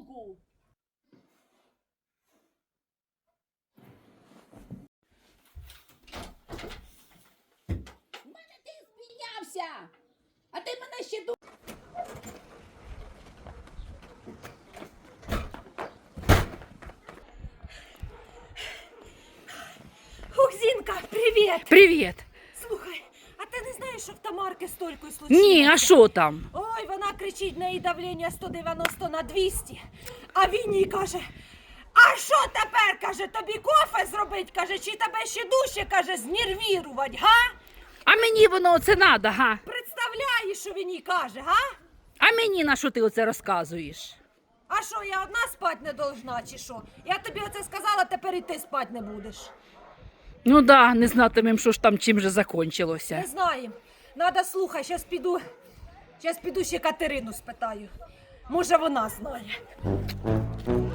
жінку. У мене ти спінявся, а ти мене ще ду... Зінка, привіт! Привіт. Слухай, а ти не знаєш, що в Тамарки з Толькою случилося? Ні, а що там? Ой, вона кричить, в неї давлення 190 на 200. А він їй каже, а що тепер, каже, тобі кофе зробить, каже, чи тебе ще дужче, каже, знервірувати, га? А мені воно оце надо, га? Представляєш, що він їй каже, га? А мені на що ти оце розказуєш? А що, я одна спать не должна, чи що? Я тобі оце сказала, тепер і ти спать не будеш. Ну да, не знатимем, що ж там чим же Не закончилося. знаємо. Надо, слухай, щас піду ще Катерину спитаю. Може, вона знає.